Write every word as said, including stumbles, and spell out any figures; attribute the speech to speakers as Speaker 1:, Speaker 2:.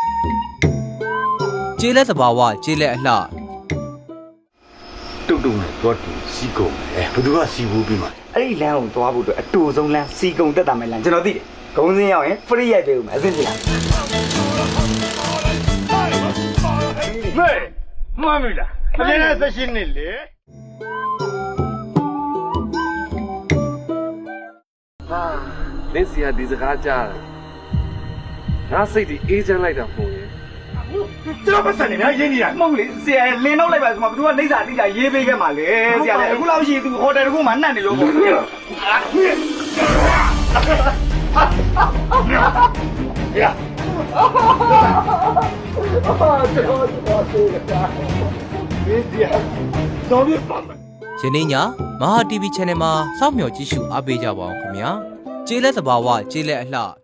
Speaker 1: ကျေးလက်သဘာဝကျေးလက်အလှ
Speaker 2: တုတ်တုံနဲ့တော့တူစီကုန်တယ်ဘယ်သူကစီဘူးပြီးမှာ
Speaker 3: အဲ့ဒီလမ်းကိုသွားဖို့အတွက်အတူဆုံးလမ်းစီကုံတက်တာမဲ့လမ်းကျွန်တော်သိတယ်ဂုံးစင်းရောက်ရင် free ရိုက်ပေးဦးမယ်အဆင်ပြေလား
Speaker 2: မေးမှန်ပြီလားအရင်ကဆက်ရှင်းနေလေ
Speaker 4: ဟာလင်းစီကဒီစကားကြားတယ်ငါစိတ်ဒီအေးချမ်းလိုက်တာပုံရင်
Speaker 2: ကျွန်တော်ပတ်စံနေများရင်းနေတာ
Speaker 3: မဟုတ်လေဆရာလင်းတော့လိုက်ပါဆိုမှဘသူကလိမ့်စာတိကျရေးပေးခဲ့မှာလေဆရာလေအခုလောက်ရှိသူဟိုတယ်တကူမှနှံ့နေလို့ပေါ့
Speaker 2: ရတော်ပြီပါမယ်
Speaker 1: ယနေ့ညမဟာ တီဗီ channel မှာစောင့်မျှော်ကြည့်ရှုအားပေးကြပါအောင်ခင်ဗျာကျေးလက်သဘာဝကျေးလက်အလှ